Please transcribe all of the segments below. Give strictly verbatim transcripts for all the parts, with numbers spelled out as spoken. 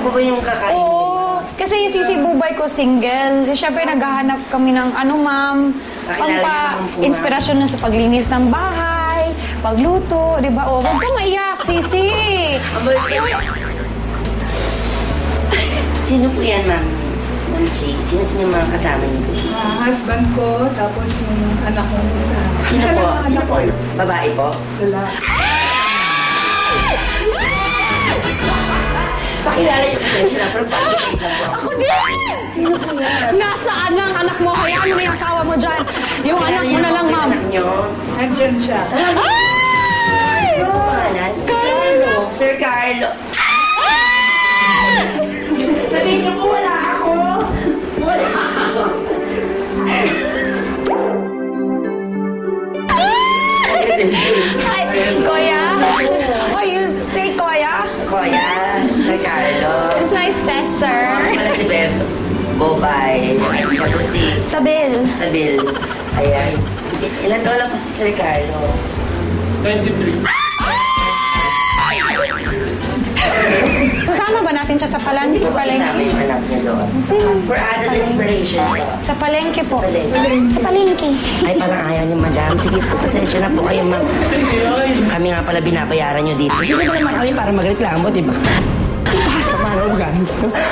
ba yung kakainin? Oo. Kasi yung Sisi Bubay ko single. Siyempre naghahanap kami ng ano ma'am, pampa-inspirasyon na sa paglinis ng bahay, pagluto, di ba? O, huwag kang maiyak, Sisi. Sino po yan, ma'am? Ma'am Chi? Sino-sino yung mga kasama niyo po? Uh, husband ko, tapos yung anak ko isa. Sino po? Sino po? Babae po? Wala. Pakilala niyo po sila, pero bakit lang po? Ako din! Sino po yan? Nasaan ang anak mo? Hayaan mo na yung asawa mo dyan. Yung anak mo na lang, ma'am. Anak niyo? Nandyan siya. Ay! Ano po pangalan? Carlo. Sir Carlo. Sabihin niyo po, wala ako. Wala ako. Hi, Kuya. Oh, you say Kuya? Kuya, Sir Carlo. It's my sister. Ako pala si Beb. Bobay. Siya po si Sabil. Sabil. Ayan. I- Ilan taon lang po si Sir Carlo? twenty-three. Sasama ba natin siya sa palan Hindi po ba palengke? kasama yung anak niya doon? Sino? For added inspiration po. Sa palengke po. Palengke. Sa palengke. Ay, parang ayaw ni Madam. Sige po, pasensya na po kayo, ma'am. Kami nga pala binabayaran nyo dito. Sige ba naman kami para magreklamo, di ba? Basta para ugan.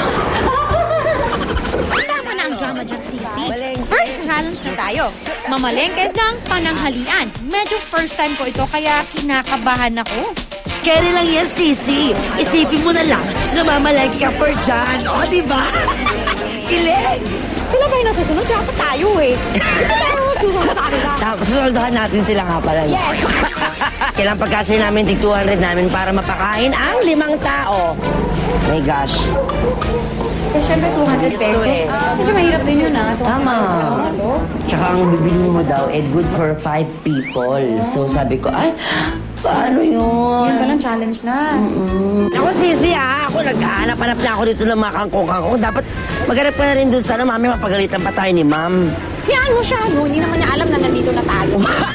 Tama na ang drama dyan, Sisi. First challenge na tayo. Mamalengkes ng pananghalian. Medyo first time ko ito, kaya kinakabahan ako. Kere lang yan, Sisi. Isipin mo na lang na mamalengke ka for John. O, di ba? Kilig! Sila ba yung nasusunod? Dapat tayo eh. Hindi tayo susunod sa kanila. Susoldohan natin sila nga pala. Yes. Kailangan pagkasya namin tig two hundred namin para mapakain ang limang tao. My gosh. Kasi syempre two hundred pesos. Ah, medyo mahirap din yun ah. Tama. Tsaka ang bibili mo daw, eh, good for five people. So sabi ko, ay, paano yun? Yun palang challenge na. Mm. Ako, Sisi, ah. Ako, naghahanap-hanap na ako dito ng mga kangkong-kangkong. Dapat maghanap ka na rin dun. Sana, mami, mapagalitan pa tayo ni ma'am. Hayaan mo siya, no? Hindi naman niya alam na nandito na tayo.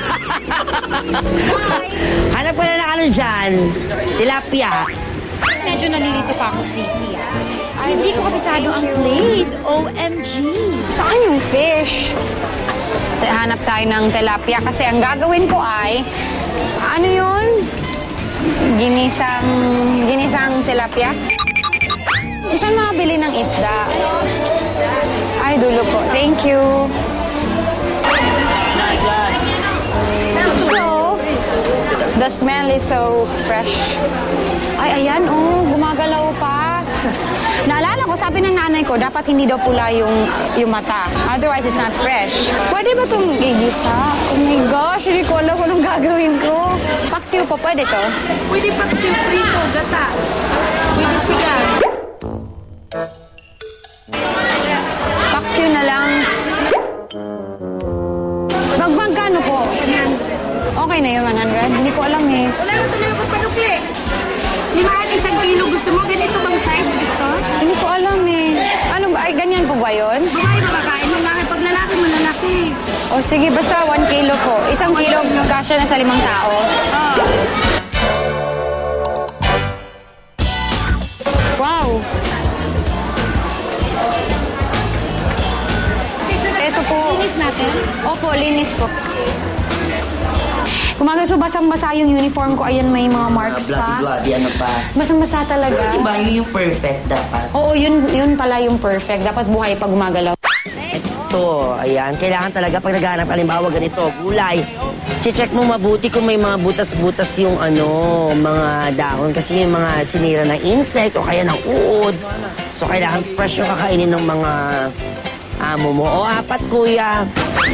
Hanap ka na ng ano dyan. Tilapia. Medyo nalilito pa ako, Sisi. Ay, hindi ko kabisado ang place. O M G. Saan yung fish? Hanap tayo ng tilapia kasi ang gagawin ko ay, ano yun? Ginisang, ginisang tilapia? Saan makabili ng isda? Ay, dulo po. Thank you. So, the smell is so fresh. Ay, ayan, oh, gumagalaw pa. Naalala ko, sabi ng nanay ko, dapat hindi daw pula yung, yung mata. Otherwise, it's not fresh. Pwede ba itong igisa? Oh my gosh, hindi ko alam kung anong gagawin ko. Paksiw po, pwede to? Pwede paksiw prito, gata. Pwede sigang. Paksiw na lang. Magmagkano po? Okay na yun, one hundred? Hindi ko alam eh. Wala na talaga papadukli. Limaan isang kilo gusto mo? Ganito bang size gusto? Hindi ko alam eh. Ano ba? Ay, ganyan po ba yun? Babae ba kakain mo? Bakit pag lalaki mo lalaki? O sige, basta one kilo po. Isang kilo, kasya na sa limang tao. Oh. Wow! Ito po. Linis natin? Opo, linis po. Kumagaso, basang-basa yung uniform ko. Ayan, may mga marks pa. Bloody-bloody, ano pa. Basang-basa talaga. Diba, yun yung perfect dapat. Oo, yun, yun pala yung perfect. Dapat buhay pag gumagalaw. Ito, ayan. Kailangan talaga pag naghahanap, halimbawa ganito, gulay. Che-check mo mabuti kung may mga butas-butas yung ano, mga dahon. Kasi yung mga sinira ng insect o kaya ng uod. So, kailangan fresh yung kakainin ng mga amo mo. O, apat, kuya.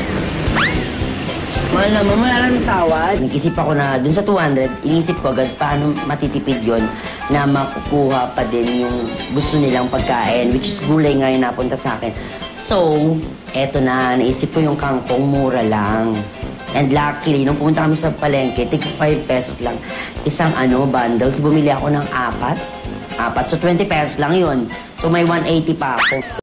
Mahal naman, wala lang tawad. Nag-isip ako na dun sa two hundred, inisip ko agad paano matitipid yon na makukuha pa din yung gusto nilang pagkain, which is gulay nga yung napunta sa akin. So, eto na, naisip ko yung kangkong mura lang. And luckily, nung pumunta kami sa palengke, tig five pesos lang. Isang ano, bundles, bumili ako ng apat. Apat, so twenty pesos lang yun. So, may one eighty pa ako.